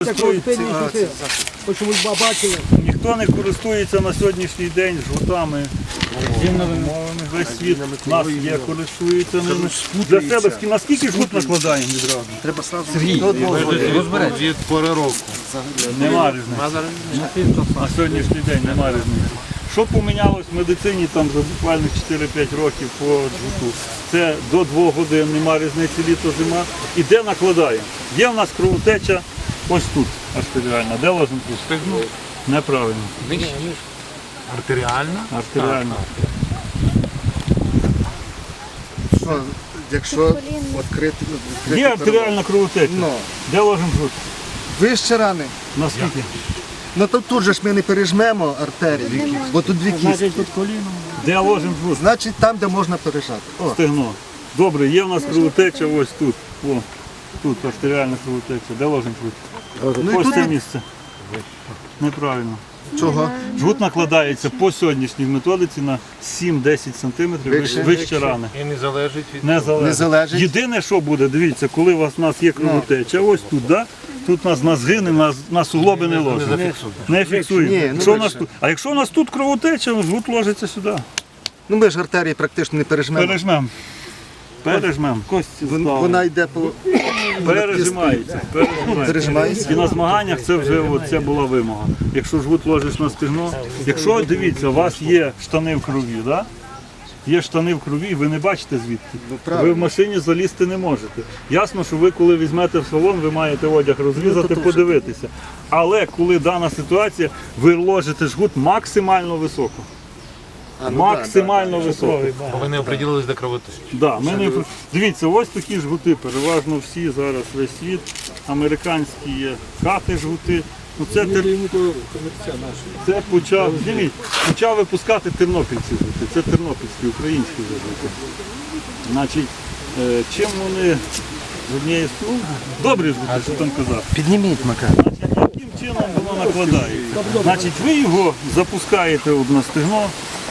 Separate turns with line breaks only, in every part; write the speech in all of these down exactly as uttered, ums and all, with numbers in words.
Ніхто не користується на сьогоднішній день жгутами умовами. Весь світ нас є, користується ними. Для себе наскільки жгут накладаємо відразу?
Треба Сергій, розберемо. Від пори року.
Нема різниці. На сьогоднішній день нема різниці. Що помінялось в медицині там за буквально чотири-п'ять років по жгуту? Це до двох годин, нема різниці літо-зима. І де накладаємо? Є в нас кровотеча ось тут, артеріальна. Де ложимо тут? Стегну. Неправильно.
Артеріальна?
Артеріальна.
Що, якщо відкрити...
Є артеріальна кровотеча.
Ну.
Де ложимо жгут?
Вище рани.
Наскільки?
Ну то тут же ж ми не пережмемо артерії, бо тут дві кістки.
Де ложимо жгут?
Значить там, де можна пережати. О,
Стегно. Добре, є в нас кровотеча ось тут. О, тут артеріальна кровотеча. Де ложимо жгут?
ну і
Ось
тут
це місце. Неправильно.
чого?
Жгут накладається по сьогоднішній методиці на сім-десять сантиметрів вище, вище рани.
І не залежить від...
Не залежить.
Не залежить.
Єдине, що буде, дивіться, коли у вас у нас є кровотеча, ось тут, да? Тут у нас на згини, на, на суглоби не ложимо. Не фіксуємо.
Ні, ну
Якщо у нас
вище.
тут, а якщо у нас тут кровотеча, жгут ложиться сюди.
Ну ми ж артерії практично не пережмемо.
Пережмемо. Пережмемо. Кості
Вон-
ставимо.
Вона йде по...
Пережимається. Пережимається.
Пережимається.
І на змаганнях це вже от, це була вимога. Якщо жгут ложиш на стегно, якщо, дивіться, у вас є штани в крові, да? Є штани в крові, ви не бачите звідки.
правильно.
Ви в машині залізти не можете. Ясно, що ви коли візьмете в салон, ви маєте одяг розрізати, подивитися. Але коли дана ситуація, ви ложите жгут максимально високо.
А, ну,
Максимально високо.
Бо ви не оприділились до кровотечі.
Да, ми не... Дивіться, ось такі жгути, переважно всі зараз весь світ. Американські є кати жгути. Ну, це, тер... це почав, дивіться, почав випускати тернопільці жгути. Це тернопільські, українські жгути. Значить, е, чим вони з однієї сторони? Добрі жгути, що там казав.
Підніміть, Макар.
Значить, яким чином воно накладається? Значить, ви його запускаєте от на стегно.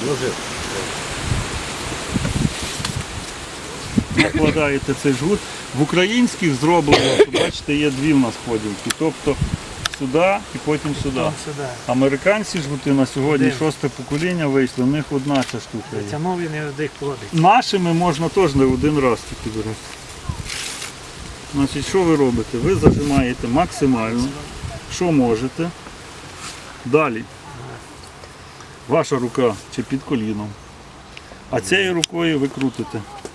Накладаєте цей жгут. В українських зроблено, бачите, є дві в нас поділки. Тобто сюди і потім сюди. Американці жгути на сьогодні шосте покоління вийшло, в них одна ця штука є.
Ця мові не вдих плодить.
Нашими можна теж не один раз тільки берете. Значить, що ви робите? Ви зажимаєте максимально, що можете. Далі. Ваша рука чи під коліном. А цією рукою ви крутите.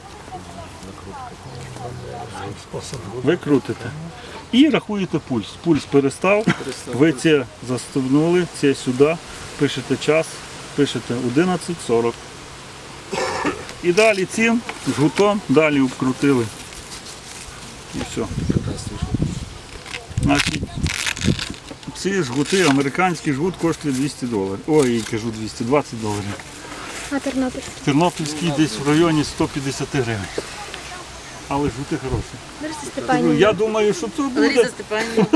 Ви крутите. І рахуєте пульс. Пульс перестав, ви це застебнули, це сюди, пишете час, пишете одинадцять сорок. І далі цим жгутом далі обкрутили. І все. Значить, ці жгути, американський жгут коштує двісті доларів. Ой, кажу двісті двадцять доларів.
А Тернопільський?
Тернопільський десь в районі сто п'ятдесят гривень. Але жгути хороші.
Лариса
Ну,
Степанівна.
я думаю, що це буде.
Лариса Степанівна.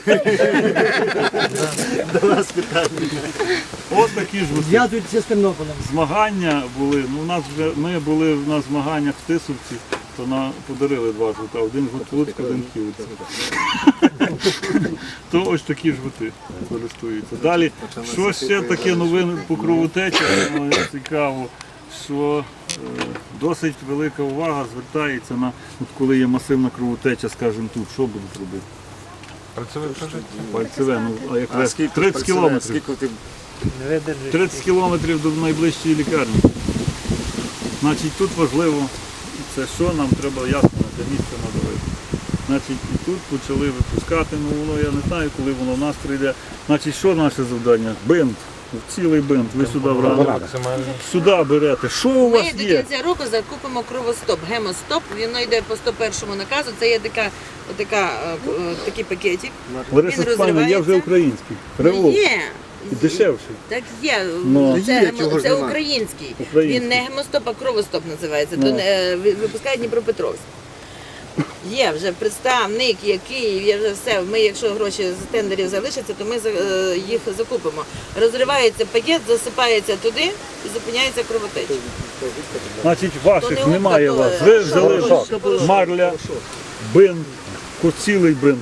Ось такі жгути.
Зв'язуються з Тернополем.
Змагання були, ну у нас вже, ми були на змаганнях в Тисовці, то нам подарили два жгута, один жгут в Луцьку, один в Київці. То ось такі жгути користуються. Далі, що ще таке новини по кровотечі, ну, цікаво, що е, досить велика увага звертається на, от коли є масивна кровотеча, скажімо тут, що будуть робити?
Працює прожиття.
Пальцеве, ну, а як ви? тридцять кілометрів.
Скільки ти...
Не видержує.
тридцять кілометрів до найближчої лікарні. Значить, тут важливо, це що нам треба ясно на це місце надавити. Значить, і тут почали випускати, ну воно я не знаю, коли воно в нас прийде. Значить, що наше завдання? Бинт, цілий бинт, ви сюди врали.
Максимально.
Сюди берете. Що у
Ми
вас
до
є?
кінця року закупимо кровостоп, гемостоп. Він йде по сто першому наказу. Це є така, така, е, е, такий пакетик.
Лариса
Він
Степанівна, є вже
розривається.
український.
Ну,
Револ.
є.
І дешевший.
Так є.
Ну.
Це,
Є,
гемо-
чого ж
це
нема?
український.
Український.
Він не гемостоп, а кровостоп називається.
Ну.
То, е, ви- випускає Дніпропетровськ. Є вже представник, є Київ, є вже все. Ми, якщо гроші з тендерів залишаться, то ми за- е, їх закупимо. Розривається пакет, засипається туди і зупиняється кровотеча.
Значить,
То
ваших
не
немає
губка,
вас.
то
Ви
шов,
взяли
шов, шов.
марля, бинт, ко- цілий бинт.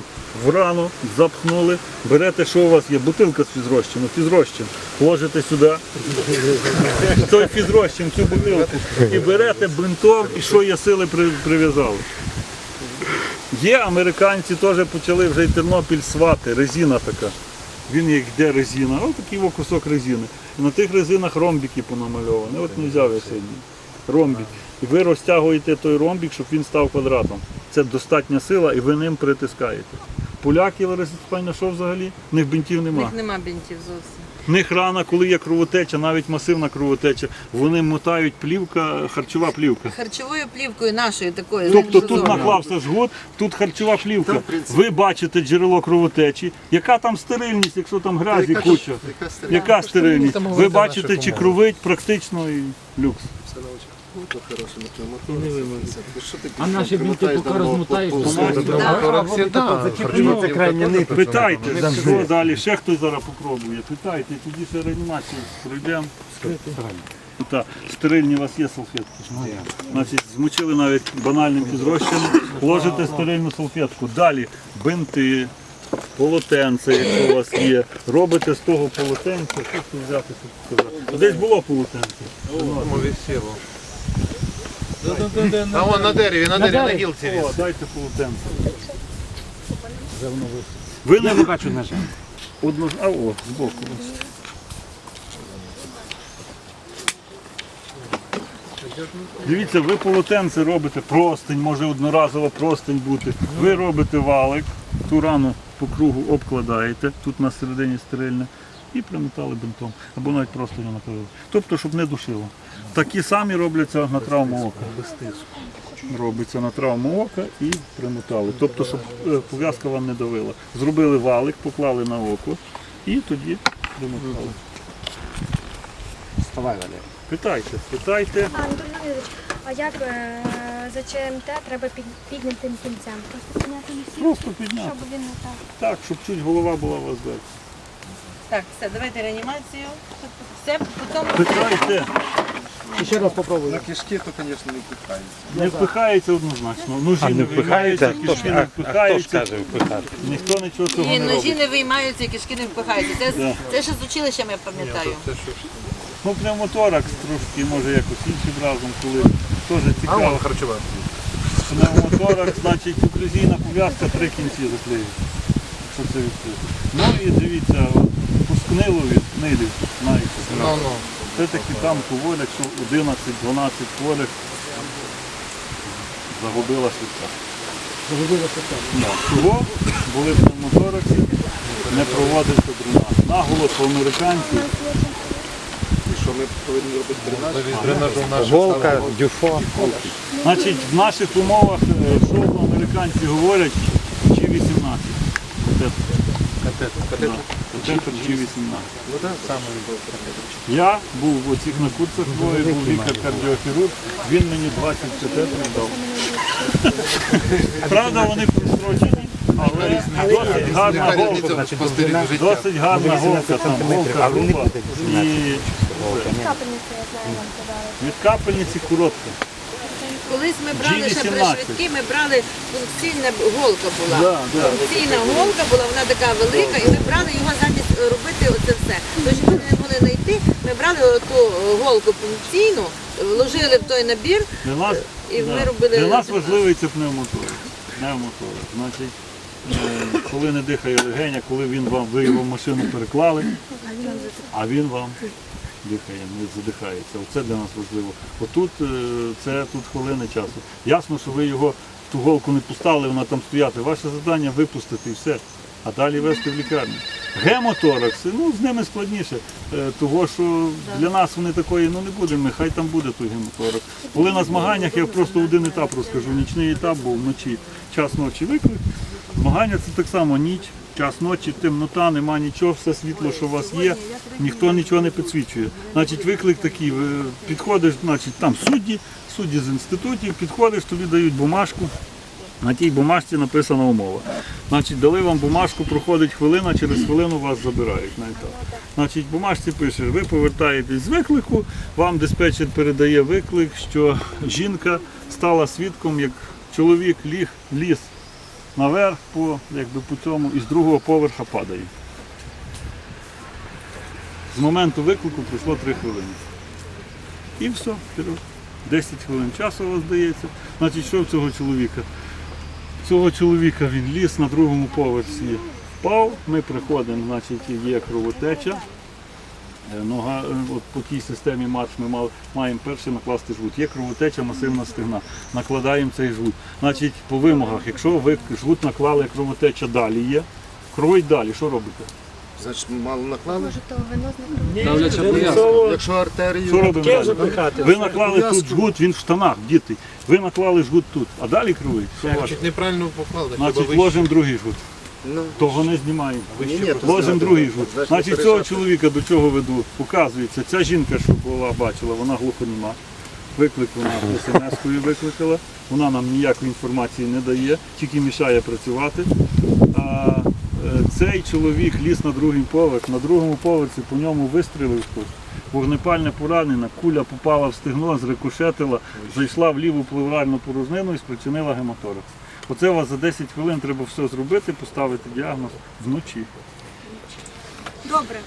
в рану, запхнули, берете, що у вас є, бутилка з фізрозчином, фізрозчин, ложите сюди, той фізрозчин, цю бутилку, і берете бинтом, і що є сили при- прив'язали. Є американці, теж почали вже й Тернопіль свати, резина така. Він як йде резина, ось такий о кусок резини. І на тих резинах ромбики понамальовані. От не взяв я сьогодні. Ромбик. І ви розтягуєте той ромбик, щоб він став квадратом. Це достатня сила, і ви ним притискаєте. Поляки, Лариса Степанівна, що взагалі? В них бинтів
У
нема.
них нема бінтів зовсім.
В них рана, коли є кровотеча, навіть масивна кровотеча, вони мотають плівка, харчова плівка.
Харчовою плівкою нашою такою.
Тобто
знаєш,
тут
зовні.
наклався жгут, тут харчова плівка. Ви бачите джерело кровотечі. Яка там стерильність, якщо там грязі
Яка ж-
куча?
яка стерильність?
Яка стерильність? Ви бачите, чи кровить практично і люкс.
А наші бінти поки розмотаєш, то
Це крайня нитка.
Питайте, що далі, ще хтось зараз попробує. Питайте, тоді ще реанімацію пройдемо. Так, стерильні у вас є салфетки? Значить, змочили навіть банальним фізрозчином, ложите стерильну салфетку. Далі бинти, полотенце, якщо у вас є. Робите з того полотенця, що тут взяти, щоб сказати. Десь було полотенце.
А вон на дереві, на дереві, на гілці.
О, дайте полотенце. Ви не
бачу, на жаль.
одну, а о, збоку. Дивіться, ви полотенце робите, простинь, може одноразово простинь бути. Ви робите валик, ту рану по кругу обкладаєте, тут на середині стерильне, і примотали бинтом. Або навіть просто не накрили. Тобто, щоб не душило. Такі самі робляться на травму ока. Без тиску. Робиться на травму ока і примотали. Тобто, щоб е, пов'язка вам не давила. Зробили валик, поклали на око і тоді примотали.
Вставай, Валерій.
Питайте, питайте.
А, Антон Леонідович, а як е, за ЧМТ треба під, піднятим кінцем? Просто підняти на всі,
Просто підняти.
щоб він не так.
Так, щоб чуть голова була у вас вверх.
Так, все, давайте реанімацію. Все, потім...
Питайте.
Ще раз попробуй.
На кишки, то, звісно, не впихається.
Не впихається однозначно. Ножі не впихаються, кишки не впихаються. Ніхто нічого цього
І
не
ножі
робить.
не виймаються, і кишки не впихаються. Це,
Да.
це ще з училищем, я пам'ятаю.
Ну, пневмоторакс трошки, може якось іншим разом, коли теж цікаво.
харчова.
Пневмоторакс, значить, оклюзійна пов'язка, три кінці заклеюють. Що це відкрито. Ну і дивіться, от, пускнило від нилів, знаєте.
Ну, ну.
Це таки там хворих, що одинадцять-дванадцять хворих загубила швидка.
Загубила швидка.
Да. Чого були в пневмотораксі, не проводився дренаж. Наголос по американців.
І що ми повинні робити дренаж?
Дренажу наш.
Голка, дюфо.
Значить, в наших умовах, е, що американці говорять, Чи вісімнадцять. Катетер Чи вісімнадцять. Я був в оцих на курсах двоє, був лікар-кардіохірург, він мені двадцять катетерів дав. Правда, вони прострочені, але досить гарна голка. Досить гарна голка там, голка груба. І
Капельницю, я знаю, вам подали.
від капельниці коротка.
Колись ми брали ще при
Джі вісімнадцять.
швидкі, ми брали функційна голка була.
Да, да.
Функційна голка була, вона така велика, і ми брали його замість робити оце все. Тож ми не могли знайти, ми брали ту голку функційну, вложили в той набір,
Для нас,
і ми
да.
робили.
Для нас важливий це пневмоторакс. Пневмоторакс. Значить, е, коли не дихає легеня, коли він вам, ви його в машину переклали, а він вам дихає, не задихається. Оце для нас важливо. Отут е, це тут хвилини часу. Ясно, що ви його в ту голку не пускали, вона там стояти. Ваше завдання випустити і все, а далі везти в лікарню. Гемоторакси, ну з ними складніше, е, того що для нас вони такої, ну не будемо, хай там буде той гемоторакс. Коли на змаганнях, я просто один етап розкажу, нічний етап був вночі, час ночі виклик. Змагання це так само ніч, час ночі, темнота, нема нічого, все світло, що у вас є, ніхто нічого не підсвічує. Значить, виклик такий, ви підходиш, значить, там судді, судді з інститутів, підходиш, тобі дають бумажку, на тій бумажці написана умова. Значить, дали вам бумажку, проходить хвилина, через хвилину вас забирають на етап. Значить, в бумажці пише, ви повертаєтесь з виклику, вам диспетчер передає виклик, що жінка стала свідком, як чоловік ліг, ліз наверх по, якби, по цьому і з другого поверха падає. З моменту виклику пройшло три хвилини. І все, вперед. десять хвилин часу у вас дається. Значить, що в цього чоловіка? Цього чоловіка він ліз на другому поверсі, впав, ми приходимо, значить, є кровотеча. Е, Нога, е, от по тій системі марш ми мали- маємо перше накласти жгут. Є кровотеча масивна стегна. Накладаємо цей жгут. Значить, по вимогах, якщо ви жгут наклали, кровотеча далі є, кровить далі, що робите?
Значить, мало наклали.
Може, то вино з
Давляча
Ні,
пов'язка.
це
Якщо артерію...
Що робимо
таке
далі?
запихати.
Ви наклали тут жгут, він в штанах, діти. Ви наклали жгут тут, а далі кровить. Що ваше?
Значить, неправильно поклали, хіба
Значить,
вище.
ложимо другий жгут.
Ну,
Того не знімаємо.
ні, ні, то
Ложимо
зняти
другий
можна.
жгут.
Значить,
Значить,
не
цього
пережати.
чоловіка до чого веду? Показується, ця жінка, що була, бачила, вона глухоніма. Виклик вона смс-кою викликала. Вона нам ніякої інформації не дає, тільки мішає працювати. А е, цей чоловік ліз на другий поверх. На другому поверсі по ньому вистрілив хтось. Вогнепальне поранення, куля попала в стегно, зрикошетила, зайшла в ліву плевральну порожнину і спричинила гематоракс. Оце у вас за десять хвилин треба все зробити, поставити діагноз вночі.
Добре.